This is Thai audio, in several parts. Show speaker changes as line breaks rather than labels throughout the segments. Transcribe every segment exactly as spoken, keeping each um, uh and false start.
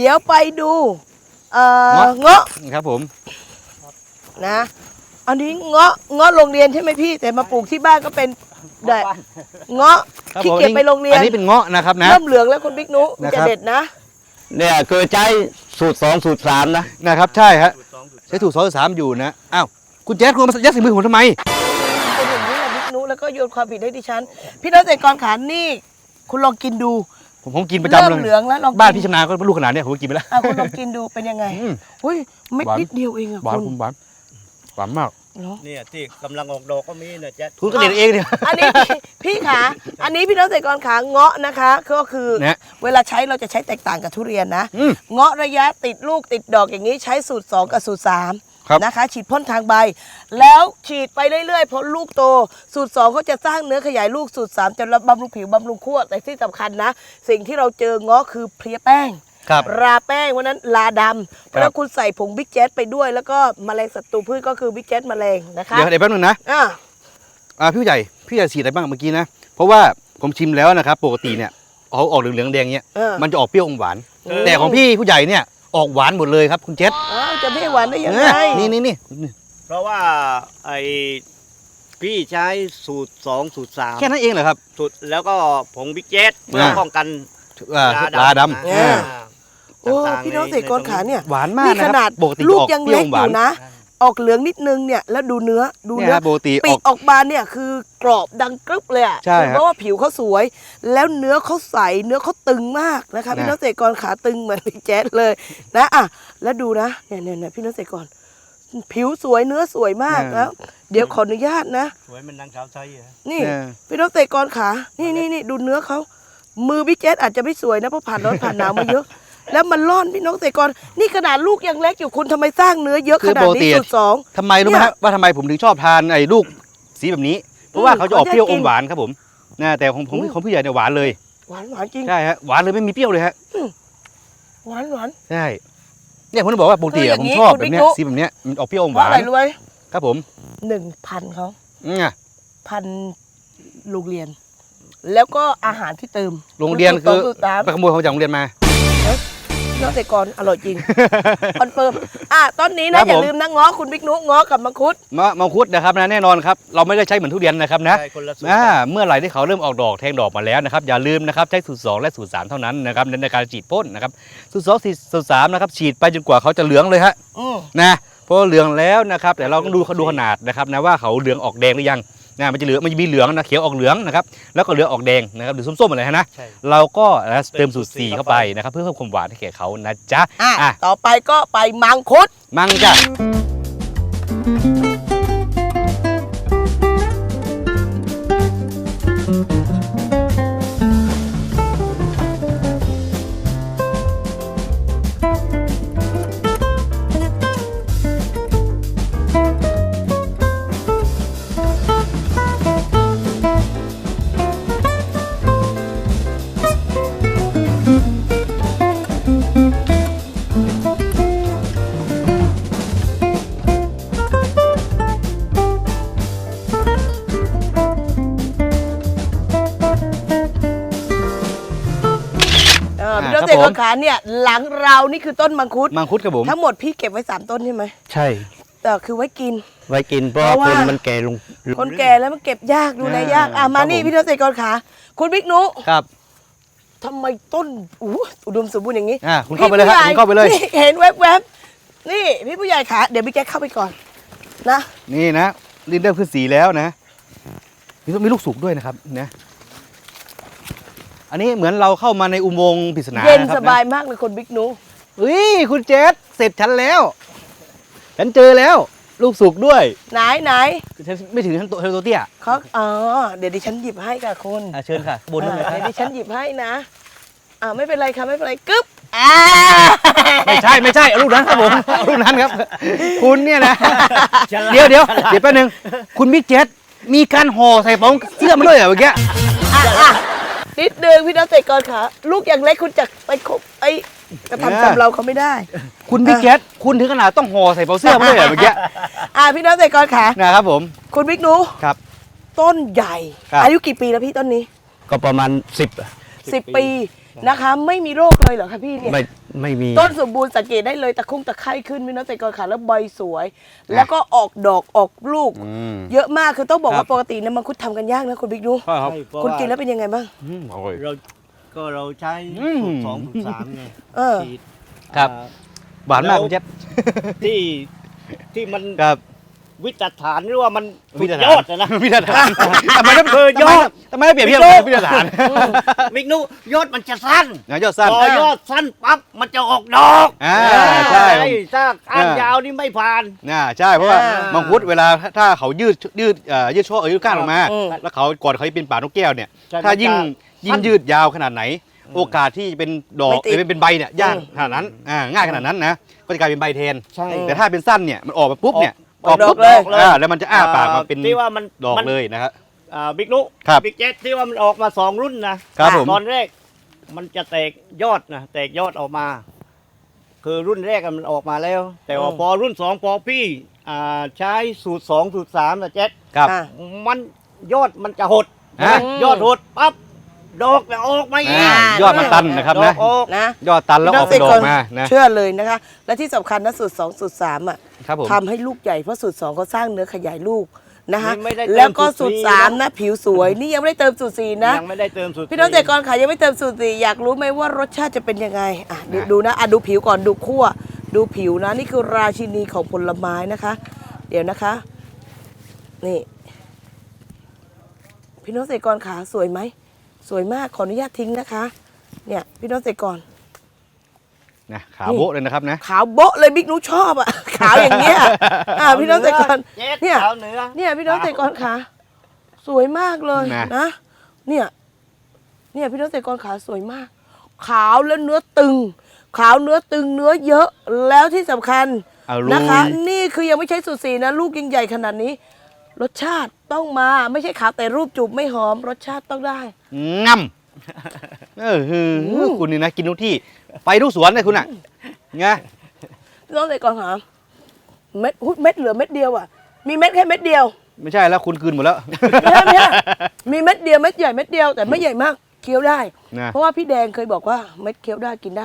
ดี๋ยวไปดูเอ่อเงาะ
ครับผม
นะอันนี้เงาะเงาะโรงเรียนใช่ไหมพี่แต่มาปลูกที่บ้านก็เป็นเด็ดเงาะขี้เกียจไปโรงเรียน
อันนี้เป็นเงาะนะครับนะ
เริ่มเหลืองแล้วคุณบิ๊กนุจะเด็ดนะ
เนี่ยคือใช้สูตรสองสูตรสามนะ
นะครับใช่ฮะใช้สูตรสองสูตรสามอยู่นะอ้าวคุณแจ๊ดคุณมายัดใส่มือผมทำไม
เป็นอย่างนี้แหละบิ๊กนุแล้วก็โยนความผิดให้ดิฉันพี่น้องเกษตรกรขานี่คุณลองกินดู
ผมผมกินประจำเลย
เริ่มเหลืองแล้วลอง
บ้านพี่ชำนาญก็ลูกขนาดนี้ผมกินไปแล้ว
คุณลองกินดูเป็นยังไงอุ้ยไม่นิดเดียวเองอะ
หวานหวานหวานมาก
เนี่ยที่กำลังออกดอกก็มีนะแจ๊ด
คุณก็เด็ดเองเนี่ย
อันนี้พี่ขาอันนี้พี่น้องเกษตรกรขาเงาะนะคะก็คือเวลาใช้เราจะใช้แตกต่างกับทุเรียนนะเงาะระยะติดลูกติดดอกอย่างนี้ใช้สูตรสองกับสูตรสามนะคะฉีดพ่นทางใบแล้วฉีดไปเรื่อยๆพอลูกโตสูตรสองเขาจะสร้างเนื้อขยายลูกสูตรสามจะบำรุงผิวบำรุงขั้วแต่ที่สำคัญนะสิ่งที่เราเจอเงาะคือเพลียแป้งราแป้งวันนั้นลาดำแล้วคุณใส่ผงบิ๊กแจ๊สไปด้วยแล้วก็แมลงศัตรูพืชก็คือบิ๊กแจ๊สแมลงนะคะ
เดี๋ยวเดี๋ยวแป๊บนึงนะอ่าอ่าพี่ใหญ่พี่ใหญ่ฉีดอะไรบ้างเมื่อกี้นะเพราะว่าผมชิมแล้วนะครับปกติเนี่ยเขาออกเหลืองๆแดงเนี้ยมันจะออกเปรี้ยวอมหวานแต่ของพี่ผู้ใหญ่เนี่ยออกหวานหมดเลยครับคุณเจษ
อ้าวจะไม่หวานได้ยังไง
นี่นี่นี่
เพราะว่าไอ้พี่ใช้สูตรสองสูตรสาม
แค่นั้นเองเหรอครับ
สูตรแล้วก็ผงบิ๊กแจ๊สเพื่อป้องกัน
ลาดำ
โอ้พี่น้องเกษตรกรขาเนี่ย
หวานมากนะ
ขนาดลูกยังเล็กอยู่นะออกเหลืองนิดนึงเนี่ยแล้วดูเนื้อดูเนื้อปีกออกบานเนี่ยคือกรอบดังกรึบเลยอ่ะเพราะว่าผิวเขาสวยแล้วเนื้อเขาใสเนื้อเขาตึงมากนะคะพี่น้องเกษตรกรขาตึงเหมือนพี่แจ๊ดเลยนะอ่ะแล้วดูนะเนี่ยเนี่ยพี่น้องเกษตรกรผิวสวยเนื้อสวยมากแล้วเดี๋ยวขออนุญาตนะ
สวยมันนางสาวไทย
นี่พี่น้องเกษตรกรขานี่นี่นี่ดูเนื้อเขามือพี่แจ๊ดอาจจะไม่สวยนะเพราะผ่านร้อนผ่านหนาวมาเยอะแล้วมันร่อนพี่น้องเกษตรกรนี่ขนาดลูกยังเล็กอยู่คุณทำไมสร้างเนื้อเยอะขนาดนี้สูตรสอง
ทำไมรู้ไหมฮะว่าทำไมผมถึงชอบทานไอ้ลูกสีแบบนี้เพราะว่าเขาจะออกเปรี้ยวอมหวานครับผมนะแต่ของผมของพี่ใหญ่เนี่ยหวานเลย
หวานหวานจริง
ใช่ฮะหวานเลยไม่มีเปรี้ยวเลยฮะ
หวานหวาน
ใช่เนี่ยผมบอกว่าปกติผมชอบแบบนี้สีแบบนี้มันออกเปรี้ยวอมหวาน
อะไรรู้ไหม
ครับผม
หนึ่งพันเขา
อืม
พันโรงเรียนแล้วก็อาหารที่เติม
โรงเรียนคือไปขโมยเขาจากโรงเรียนมา
น้องเกษตรกรอร่อยจริงคอนเฟิร์มอ่ะต้นนี้นะอย่าลืมนะง้อคุณบิ๊กนุง้อกับมังคุด
มะมังคุดนะครับนะแน่นอนครับเราไม่ได้ใช้เหมือนทุเรียนนะครับนะเมื่อไหร่ที่เขาเริ่มออกดอกแทงดอกมาแล้วนะครับอย่าลืมนะครับใช้สูตรสองและสูตรสามเท่านั้นนะครับในการฉีดพ่นนะครับสูตรสองสูตรสามนะครับฉีดไปจนกว่าเขาจะเหลืองเลยฮะนะเพราะเหลืองแล้วนะครับแต่เราต้องดูเขาดูขนาดนะครับนะว่าเขาเหลืองออกแดงหรือยังนะมันจะเหลืองมันจะมีเหลืองนะเขียวออกเหลืองนะครับแล้วก็เหลืองออกแดงนะครับหรือส้มๆอะไรนะเราก็เติมสูตรสี่เข้าไปนะครับเพื่อเพิ่มความหวานให้แก่เขานะจ๊ะ
อ่ะต่อไปก็ไปมังคุด
มังจ้ะ
พี่น้องเกษตรกรขาเนี่ยหลังเรานี่คือต้นมังคุด
มังคุดครับผม
ทั้งหมดพี่เก็บไว้สามต้นใช่ไหม
ใช่
แต่คือไว้กิน
ไว้กินเพราะคนมันแก่ลง
คนแก่แล้วมันเก็บยากดูแลยากอ่ะมานี่พี่น้องเกษตรกรขาคุณบิ๊กนุ
ครับ
ทำไมต้นอู้อุดมสมบูรณ์อย่างนี้
อ่ะคุณเข้าไปเลยครับคุณเข้าไปเลย
เห็นแวบๆนี่พี่ผู้ใหญ่ขาเดี๋ยวพี่แจ๊คเข้าไปก่อนนะ
นี่นะลิ้นเริ่มขึ้นสีแล้วนะมีมีลูกสุกด้วยนะครับนะอันนี้เหมือนเราเข้ามาในอุโมงค์ปริศนา
เย็นสบายมากเลยคนบิ๊กนุ
เฮ้ยคุณเจษเสร็จฉันแล้วฉันเจอแล้วลูกสุกด้วย
ไหนไหน
ฉันไม่ถึงฉันโตเตี้ย
เขาอ๋อเดี๋ยวดิฉันหยิบให้ค่ะคุณ
เชิญค่ะบนเลย
เดี๋ยวดิฉันหยิบให้นะอ่าไม่เป็นไรค่ะไม่เป็นไรกึ๊บอ่า
ไม่ใช่ไม่ใช่ลูกนั้นครับผมลูกนั้นครับคุณเนี่ยนะเดี๋ยวเดี๋ยวเดี๋ยวแป๊บนึงคุณบิ๊กเจษมีการห่อใส่ป๋องเสื้อมาด้วยเหรอเมื่อกี้
นิดนึงพี่น้องเกษตรกรขาลูกอย่างเล็กคุณจะไปคบไอ้กระทำจำเราเขาไม่ได้
คุณบิ๊กแจ๊ดคุณถึงขนาดต้องห่อใส่เป๋าเสื้อมาเลยเหรอเมื่อกี้
อ่าพี่น้องเกษตรกรขา
นะครับผม
คุณบิ๊กนุ
ครับ
ต้นใหญ่อายุกี่ปีแล้วพี่ต้นนี้
ก็ประมาณสิบ
สิบปีนะคะไม่มีโรคเลยเหรอคะพี่เนี่ย
ไม่
ไม่มี
ต้นสมบูรณ์สังเกตได้เลยตะคุ่งตะไคร่ขึ้นพี่น้องเกษตรกรค่ะแล้วใบสวย แล้วก็ออกดอกออกลูก
อืม
เยอะมากคือต้องบอก
ครั
ว่า
บ
ปกติเนี่ยมังคุดทำกันยากนะคุณบิ๊กดู
ใช่ครับ
ใช่เพราะ
คุณ
ว่า
กินแล้วเป็นยังไงบ้าง
อืมอร่อย
เราก็เราใช้
อืม
สูตรสองสูตรสามไง
เออ
ฉีด
ครับ
อ่า
หวานมากคุณเจ๊บ
ที่ที่มัน
ครับ
วิจารฐานหรือว่ามันสุ
วิ
ด
จาร
ย
ฐาน
อดอะนะ
วิจารฐานทำไมต้อง
คือยอด
ทำไมต้องเปรียบเทียบ
พี่โจ้
กับวิจารฐาน
มิกนุยอดมันจะสั้น
นะยอดสั้น
พอยอดสั้นปั๊บมันจะออกดอก
อ่าใช่
ถ้าก้านยาวนี่ไม่ผ่าน
น่าใช่เพราะว่า
อ่า
มังคุดเวลาถ้าเขายืดยืดเอ่อยืดช่อเออยืดก้านออกมา
อืม
แล้วเขาก่อนเขาจะเป็นป่านกแก้วเนี่ย
ใช่
ถ้ายิ่ง
มันจะ
ยิ่งยืดยาวขนาดไหน โอกาสที่จะเป็นดอก
ไม่ติด
เอ้ยเป็นใบเนี่ยยาก
อืม
ขนาดนั้นอ่าง่ายขนาดนั้นนะก็จะกลายเป็นใบแทน
ใช่
แต่ถ้าเป็นสั้นเนี่ยมันออกมาปุ๊บเนี่ย
ออกดอก
ปุ๊บ
เลย
อ่าแล้วมันจะอ้าปากมาเป็น
ที่ว่ามัน
ดอก
มัน
เลยนะครับ
อ่าบิ๊กนุ
ครับ
บิ๊กเจ็ตที่ว่ามันออกมาสองรุ่นนะครับ
ผม
ตอนแรกมันจะแตกยอดนะแตกยอดออกมา คือรุ่นแรกอะมันออกมาแล้ว แต่ว่า
อืม
พอรุ่นสองพอพี่อ่าใช้สูตรสองสูตรสามนะเจ็ต
ครับ
อ่ะ
มันยอดมันจะหด
ฮะ
ยอดหดปั๊บดอกจะออกมาอีก
อ่ายอดมันตันนะครับ
ดอ
นะ
กออก
นะ
ยอดตันแล้วออกเป็นดอกมานะ
เชื่อเลยนะคะ และที่สำคัญนะสูตรสองสูตรสามอ่ะ
ครับผม
ทำให้ลูกใหญ่เพราะสูตรสองเขาสร้างเนื้อขยายลูกนะคะ
นี่ไม่ได้เติม
แล้วก็สูตร
สูตรสี่
สามนะผิวสวยนี่ยังไม่ได้เติมสูตรสี่นะ
ยังไม่ได้เติมสูตร
พี่น้องเกษตรกรค่ะยังไม่เติมสูตรสี่อยากรู้ไหมว่ารสชาติจะเป็นยังไงอ่ะดูดูนะอ่ะดูผิวก่อนดูคั่วดูผิวนะนี่คือราชินีของผลไม้นะคะ เดี๋ยวนะคะ นี่ พี่น้องเกษตรกรขาสวยไหมสวยมากขออนุญาตทิ้งนะคะ เนี่ยพี่น้องเกษตรกร
นะขาวโบ๊ะเลยนะครับนะ
ขาวโบ๊ะเลยบิ๊กนุชอบอ่ะ ขาวอย่างเงี้ยอ่ะพี่น้องเกษตรกร
เจ็ด
เนี่ย
ขาวเหนือ
เนี่ยพี่น้องเกษตรกรขาสวยมากเลย
นะ
นะเนี่ยเนี่ยพี่น้องเกษตรกรขาสวยมาก ขาวแล้วเนื้อตึง ขาวเนื้อตึงเนื้อเยอะแล้วที่สำคัญ
เอาลุย
นะคะ นี่คือยังไม่ใช่สูตรสีนะ ลูกยังใหญ่ขนาดนี้ รสชาติต้องมาไม่ใช่ขาวแต่รูปจูบไม่หอม รสชาติต้องได้
ง่ำเออหือคุณนี่นะกินทุกที่ไปทุกสวนเลยคุณอ่ะไง
พี่น้องเกษตรกรขาเม็ดหุ้ยเม็ดเหลือเม็ดเดียวอ่ะมีเม็ดแค่เม็ดเดียว
ไม่ใช่แล้วคุณคืนหมดแล้ว
ไม่ใช่ไม่ใช่มีเม็ดเดียวเม็ดใหญ่เม็ดเดียวแต่ไม่ใหญ่มากเคี้ยวได้
นะ
เพราะว่าพี่แดงเคยบอกว่าเม็ดเคี้ยวได้กินได้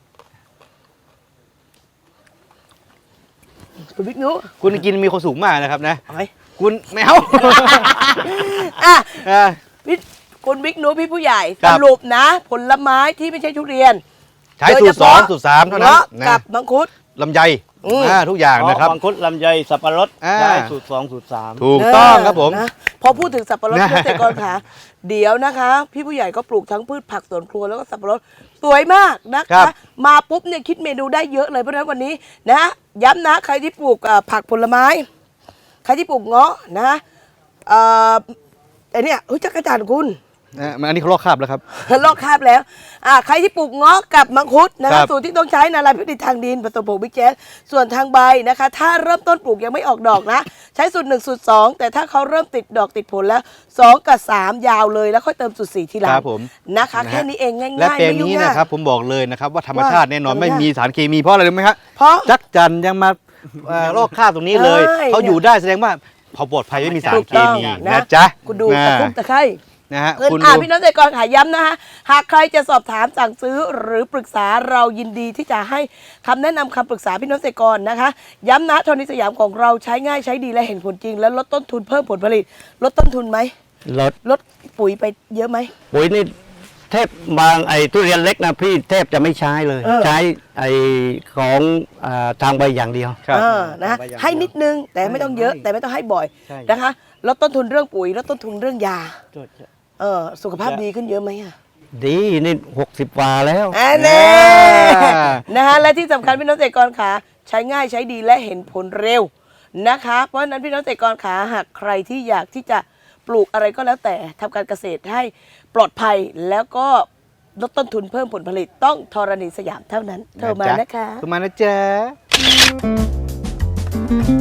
คุณบิ๊กนุ
คุณกินมีความสุขมากนะครับนะ
เอาไหม
คุณแมว
อ่ะ
อ่ะ
พี่คุณบิ๊กนุพี่ผู้ใหญ่
ครั
ส
บ
รุปนะ ผลไม้ที่ไม่ใช่ทุเรียน
ใช้สูตรสองสูตรสามเท่านั้น
งะ
นะ
กับมังคุด
ลำไย
อืม
อ่าทุกอย่างนะครับ
มังคุดลำไยสับปะรด
อ่า
ได้สูตรสองสูตรสาม
ถูกต้องครับผม
นะพอพูดถึงสับปะรด
นะ
เกษตรกรขาเดี๋ยวนะคะ พี่ผู้ใหญ่ก็ปลูกทั้งพืชผักสวนครัวแล้วก็สับปะรดสวยมากนะ
ครั
คะ
บ
มาปุ๊บเนี่ยคิดเมนูได้เยอะเลยเพราะฉะนั้นวันนี้นะย้ำนะใครที่ปลูกเอ่อผักผลไม้ ใครที่ปลูกเงาะนะเอ่อไอเนี่ยเฮ้ยจักรจันทร์คุณ
อ่ะมันอันนี้เขาลอกคราบแล้วครับ
ลอกคราบแล้วอ่าใครที่ปลูกเงาะกับมังคุดนะ
ครั
คะ
บ
สูตรที่ต้องใช้นาลายพิธีทางดินผสมผงบิ๊กแจ๊สส่วนทางใบนะคะ ถ้าเริ่มต้นปลูกยังไม่ออกดอกนะ ใช้สูตรหนึ่งสูตรสองแต่ถ้าเขาเริ่มติดดอกติดผลแล้วสองกับสามยาวเลยแล้วค่อยเติมสูตรสี่ทีหลั
ค
ง
รับผม
นะคะ
นะฮะ
แค่นี้เองง่ายๆ
และแปลง
ไม่ยุ่ง
นี้
ยาก
นะครับผมบอกเลยนะครับว่าธรรมชาติแน่นอน
ว่า
ไม่มีสารเคมีเพราะอะไรรู้ไหมครับ
เพราะ
จักจันยังมาเอ่อลอกคราบตรงนี้เลย
ใช่
เขาอยู่ได้แสดงว่าเขาปลอดภัยไม่มีสาร
ถูก
เค
ต้อง
มี
นะ
นะจ๊ะ
คุณดู
นะ
ตะคุ่มตะไคร้
นะฮะ
เพื่อน
คุณ
อ่า
ดู
พี่น้องเกษตรกรขายย้ำนะคะหากใครจะสอบถามสั่งซื้อหรือปรึกษาเรายินดีที่จะให้คำแนะนำคำปรึกษาพี่น้องเกษตรกรนะคะ ย้ำนะโทนิสยามของเราใช้ง่ายใช้ดีและเห็นผลจริง และลดต้นทุนเพิ่มผลผลิต ลดต้นทุนไหม
รถ
ลดปุ๋ยไปเยอะไหม
ปุ๋ยนี่แทบบางไอ้ทุเรียนเล็กนะพี่แทบจะไม่ใช้เลย
เออ
ใช้ไอ้ของอ่าทางใบอย่างเดียว
ครับ
เออนะให้นิดนึงแต่ไม่ต้องเยอะแต่ไม่ต้องให้บ่อย
ใช่
นะคะลดต้นทุนเรื่องปุ๋ยลดต้นทุนเรื่องยาเออสุขภาพดีขึ้นเยอะไหมอะ
ดีนี่หกสิบกว่าแล้ว
อันนี้
อ่า
นะคะและที่สำคัญพี่น้องเกษตรกรขาใช้ง่ายใช้ดีและเห็นผลเร็วนะคะ เพราะฉะนั้นพี่น้องเกษตรกรขาหากใครที่อยากที่จะปลูกอะไรก็แล้วแต่ทำการเกษตรให้ปลอดภัยแล้วก็ลดต้นทุนเพิ่มผลผลิตต้องธรณีสยามเท่านั้นโทรมานะคะ
โทรมานะจ๊ะ